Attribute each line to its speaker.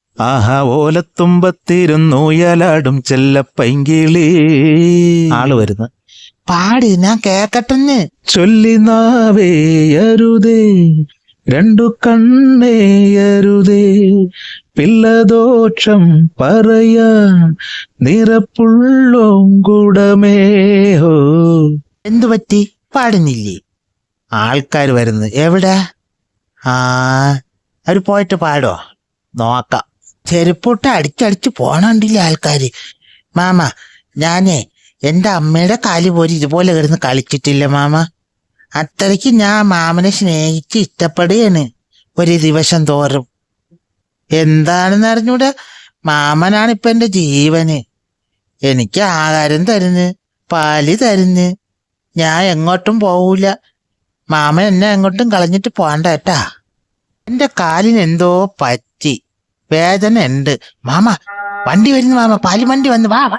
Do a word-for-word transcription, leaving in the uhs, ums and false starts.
Speaker 1: ആഹാ ഓലത്തുമ്പത്തിരുന്നു യലാടും ചെല്ലപ്പൈങ്കിളി. ആള് വരുന്നു.
Speaker 2: പാടി ഞാൻ കേക്കട്ടെന്ന്.
Speaker 1: ചൊല്ലി നാവേയരുതേ രണ്ടു കണ്ണേയരുതേ പിള്ളദോഷം പറയാൻ നിറപ്പുള്ളോം കുടമേഹോ.
Speaker 2: എന്തു പറ്റി? പാടുന്നില്ലേ? ആൾക്കാർ വരുന്നു. എവിടെ? ആ അവര് പോയിട്ട് പാടോ? നോക്കാം. ചെരുപ്പൊട്ട് അടിച്ചടിച്ച് പോണണ്ടില്ലേ ആൾക്കാര്. മാമ, ഞാനേ എൻ്റെ അമ്മയുടെ കാല് പോലും ഇതുപോലെ കിടന്ന് കളിച്ചിട്ടില്ല മാമ. അത്രയ്ക്ക് ഞാൻ മാമനെ സ്നേഹിച്ച് ഇഷ്ടപ്പെടുകയാണ് ഒരു ദിവസം തോറും. എന്താണെന്ന് അറിഞ്ഞൂടെ, മാമനാണ് ഇപ്പൊ എൻ്റെ ജീവന്. എനിക്ക് ആഹാരം തരുന്ന്, പാല് തരുന്ന്. ഞാൻ എങ്ങോട്ടും പോവൂല. മാമൻ എന്നെ എങ്ങോട്ടും കളഞ്ഞിട്ട് പോണ്ട കേട്ടാ. എൻ്റെ കാലിന് എന്തോ പറ്റി, വേദന ഉണ്ട്. മാമ വണ്ടി വരുന്നു മാമ, പാല് വണ്ടി വന്ന് വാ വാ.